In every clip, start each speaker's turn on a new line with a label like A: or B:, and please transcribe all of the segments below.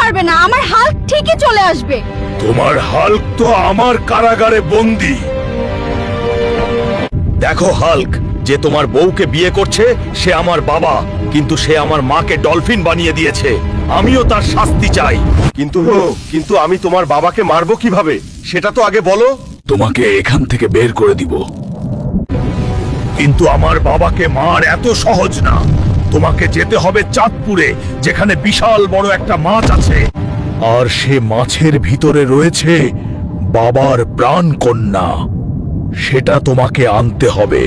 A: পারবে না, আমার হাল্ক ঠিকই চলে আসবে।
B: তোমার হাল্ক তো আমার কারাগারে বন্দী। দেখো হাল্ক, যে তোমার বউকে বিয়ে করছে সে আমার বাবা, কিন্তু সে আমার মাকে ডলফিন বানিয়ে দিয়েছে। আমিও তার শাস্তি চাই। কিন্তু আমি তোমার বাবাকে মারবো কিভাবে সেটা তো আগে বলো। তোমাকে এখান থেকে বের করে দিব। কিন্তু আমার বাবাকে মার এত সহজ না। তোমাকে যেতে হবে চাঁদপুরে, যেখানে বিশাল বড় একটা মাছ আছে, আর সে মাছের ভিতরে রয়েছে বাবার প্রাণ কন্যা। সেটা তোমাকে আনতে হবে।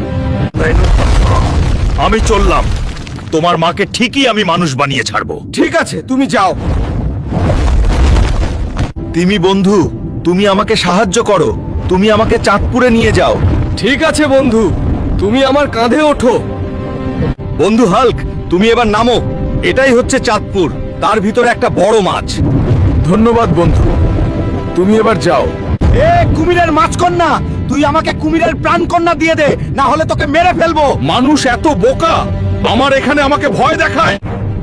B: আমি চললাম। তোমার মাকে ঠিকই আমি মানুষ বানিয়ে ছাড়বো।
C: ঠিক আছে, তুমি যাও।
B: তিমি বন্ধু, তুমি আমাকে সাহায্য করো। তুমি আমাকে চাঁদপুরে নিয়ে যাও।
C: ঠিক আছে বন্ধু, তুমি আমার কাঁধে ওঠো।
B: বন্ধু হাল্ক, তুমি এবার নামো। এটাই হচ্ছে চাঁদপুর, তার ভিতরে একটা বড় মাছ।
C: ধন্যবাদ বন্ধু, তুমি এবার যাও।
B: এ কুমিরের মাছকন্যা, তুই আমাকে কুমিরের প্রাণ কন্যা দিয়ে দে, না হলে তোকে মেরে ফেলবো। মানুষ এত বোকা, আমার এখানে আমাকে ভয় দেখায়।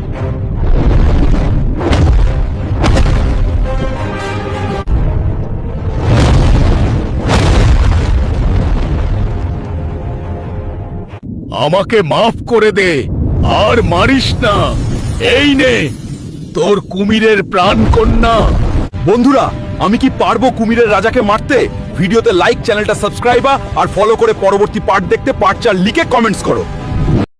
B: আমাকে মাফ করে দে, আর মারিস না। এই নে তোর কুমিরের প্রাণ কন্যা। বন্ধুরা, আমি কি পারবো কুমিরের রাজাকে মারতে? ভিডিওতে লাইক, চ্যানেলটা সাবস্ক্রাইব আর ফলো করে পরবর্তী পার্ট দেখতে পার্ট 4 লিখে কমেন্টস করো।